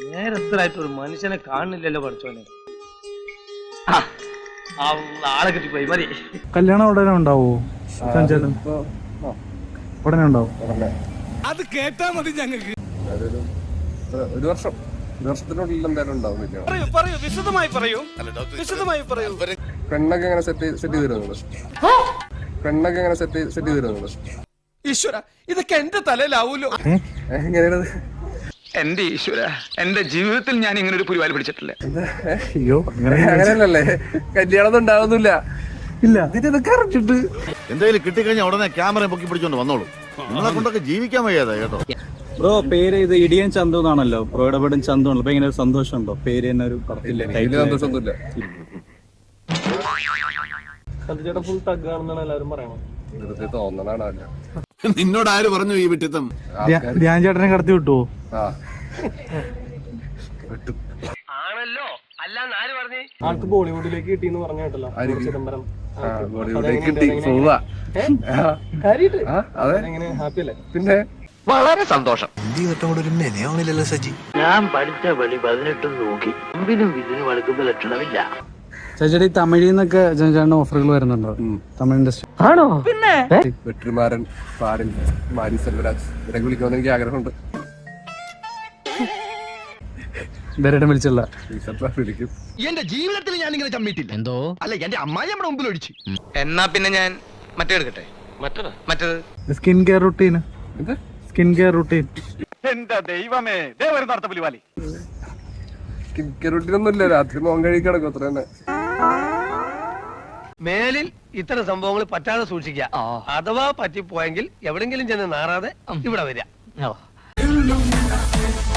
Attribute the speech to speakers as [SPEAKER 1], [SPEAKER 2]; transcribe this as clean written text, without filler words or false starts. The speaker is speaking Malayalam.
[SPEAKER 1] നേരത്തിലായിട്ട് ഒരു മനുഷ്യനെ കാണുന്നില്ലല്ലോ പഠിച്ചോനെ. ആളെ കിട്ടിപ്പോയി മതി.
[SPEAKER 2] കല്യാണം ഉടനെ ഉണ്ടാവോ? ഉടനെ ഉണ്ടാവും.
[SPEAKER 3] അത് കേട്ടാ മതി ഞങ്ങൾക്ക്.
[SPEAKER 4] ഒരു വർഷത്തിനുള്ളിൽ എന്തായാലും ഉണ്ടാവും.
[SPEAKER 3] പറയൂ വിശദമായി പറയൂ.
[SPEAKER 4] പെണ്ണൊക്കെ എങ്ങനെ സെറ്റ് ചെയ്ത് തരുന്നത്? പെണ്ണൊക്കെ എങ്ങനെ സെറ്റ് ചെയ്ത് തരുന്നത്?
[SPEAKER 3] ഈശ്വര, ഇതൊക്കെ എന്റെ തലയിലാവൂലോ.
[SPEAKER 4] എങ്ങനെയാണ്?
[SPEAKER 5] എന്റെ ഈശ്വര, എന്റെ ജീവിതത്തിൽ ഞാൻ ഇങ്ങനെ ഒരു പുരിവാലി പിടിച്ചിട്ടില്ല.
[SPEAKER 2] അയ്യോ
[SPEAKER 4] അങ്ങനെയല്ലല്ലേ, കല്യാണം ഉണ്ടാവുന്നില്ല.
[SPEAKER 2] ഇല്ല,
[SPEAKER 4] ഇതിനൊക്കെ അറിഞ്ഞിട്ട്
[SPEAKER 6] എന്തെങ്കിലും കിട്ടിക്കഴിഞ്ഞാൽ ഉടനെ ക്യാമറ പൊക്കി പിടിച്ചോണ്ട് വന്നോളൂ. നിങ്ങളെ കൊണ്ടൊക്കെ ജീവിക്കാൻ വയ്യാതെ കേട്ടോ.
[SPEAKER 2] ബ്രോ പേര് ഇത് ഇടിയൻ ചന്തു എന്നാണല്ലോ, ബ്രോയുടെ പടം ചന്തു ആണല്ലോ. അപ്പൊ ഇങ്ങനെ ഒരു സന്തോഷമുണ്ടോ? പേര് തന്നെ ഒരു
[SPEAKER 4] സന്തോഷമൊന്നുമില്ല.
[SPEAKER 1] ഫുൾ തഗ്ഗാണെന്നാണ് എല്ലാവരും പറയണത്.
[SPEAKER 4] വെറുതെ തോന്നണാണല്ല.
[SPEAKER 3] നിന്നോട് ആര് പറഞ്ഞു ഈ വിട്ടിത്തം?
[SPEAKER 2] ധ്യാൻ ചേട്ടനെ കടത്തി വിട്ടുവോ?
[SPEAKER 1] ആണല്ലോ, അല്ലാന്ന് ആര് പറഞ്ഞു? ആൾക്ക് ബോളിവുഡിലേക്ക് കിട്ടിയെന്ന് പറഞ്ഞു കേട്ടല്ലോ, ചിദംബരം.
[SPEAKER 4] കിട്ടി പോവാ.
[SPEAKER 1] എങ്ങനെ ഹാപ്പി അല്ലേ?
[SPEAKER 4] പിന്നെ
[SPEAKER 5] വളരെ സന്തോഷം.
[SPEAKER 1] ഞാൻ പഠിച്ച പടി 18 നോക്കി അമ്പിനും ഇതിനും അടുക്കുന്ന ലക്ഷണമില്ല.
[SPEAKER 2] ചേച്ചി തമിഴിൽ നിന്നൊക്കെ ചേട്ടന് ഓഫറുകൾ വരുന്നുണ്ടോ? തമിഴ് ഇൻഡസ്ട്രി
[SPEAKER 1] ആണോ? പിന്നെ
[SPEAKER 4] വെട്രിമാരൻ, പാടിൽ, മാരി സെൽവരാജ് ഇവരൊക്കെ വിളിക്കണമെന്ന് എനിക്ക് ആഗ്രഹമുണ്ട്.
[SPEAKER 2] ഇവരുടെ വിളിച്ചുള്ള
[SPEAKER 4] വിളിക്കും.
[SPEAKER 5] എന്റെ ജീവിതത്തിൽ ഞാൻ ഇങ്ങനെ ചമ്മിട്ടില്ല. എന്തോ അല്ല, എന്റെ അമ്മായി നമ്മുടെ മുമ്പിൽ ഒഴിച്ചു. എന്നാ പിന്നെ ഞാൻ മറ്റേ എടുക്കട്ടെ. മറ്റേത്
[SPEAKER 2] skin care routine. Skin care routine.
[SPEAKER 5] എന്റെ ദൈവമേ, നടത്ത പുലിവാലി.
[SPEAKER 4] കിക്കറുട്ടിനൊന്നുമില്ല, രാത്രി മോൻ കഴുകി കിടക്കും, അത്ര തന്നെ.
[SPEAKER 1] മേലിൽ ഇത്തരം സംഭവങ്ങൾ പറ്റാതെ സൂക്ഷിക്കുക. അഥവാ പറ്റിപ്പോയെങ്കിൽ എവിടെങ്കിലും ചെന്ന് നാറാതെ ഇവിടെ വരിക.